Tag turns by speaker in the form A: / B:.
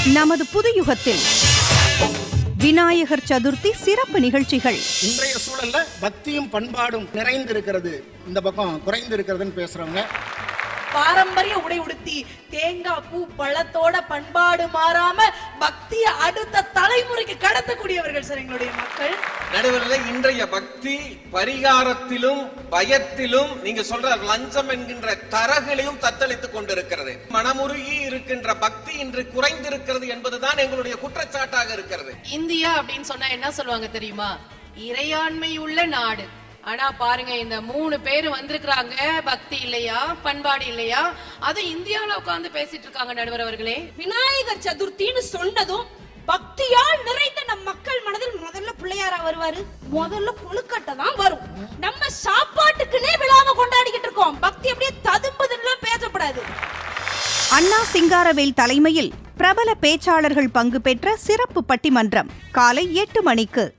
A: நமது புது யுகத்தில் விநாயகர் சதுர்த்தி சிறப்பு நிகழ்ச்சிகள்.
B: இன்றைய சூழல்ல பக்தியும் பண்பாடும் நிறைந்திருக்கிறது, இந்த பக்கம் குறைந்திருக்கிறதுன்னு பேசுறவங்க.
C: பாரம்பரிய உடை உடுத்தி தேங்காய் பூ பழத்தோட பண்பாடு மாறாம பக்தியை அடுத்த தலைமுறைக்கு கடத்தக்கூடியவர்கள் சார் எங்களுடைய மக்கள்.
D: நடுவரில் இன்றைய பக்தி பரிகாரத்திலும் பயத்திலும் நீங்க சொல்ற லஞ்சம் என்கின்ற தரகளையும் தத்தளித்துக் கொண்டிருக்கிறது. மனமுருகி இருக்கின்ற பக்தி இன்று குறைந்திருக்கிறது என்பதுதான் எங்களுடைய குற்றச்சாட்டாக இருக்கிறது.
E: இந்தியா அப்படின்னு சொன்னா என்ன சொல்லுவாங்க தெரியுமா? இறையாண்மை உள்ள நாடு. ஆனா பாருங்க, இந்த 3 பேர் வந்திருக்கிறாங்க, பக்தி இல்லையா, பண்பாடு இல்லையா, அது இந்தியாவில உட்கார்ந்து பேசிட்டு இருக்காங்க. நடுவர் அவர்களே,
C: விநாயகர் சதுர்த்தின்னு சொன்னதும் பக்தியால் நிறைந்த நம் மக்கள் மனதில் முதல்ல பிள்ளையாரா வருவாரு, முதல்ல கொழுக்கட்டை தான் வரும். நம்ம சாப்பாட்டுக்குன்னே விழாவை கொண்டாடிக்கிட்டு இருக்கோம். பக்தி அப்படியே ததும்புதுன்னு பேசப்படாது.
A: அண்ணா சிங்காரவேல் தலைமையில் பிரபல பேச்சாளர்கள் பங்கு பெற்ற சிறப்பு பட்டிமன்றம் காலை 8 மணிக்கு.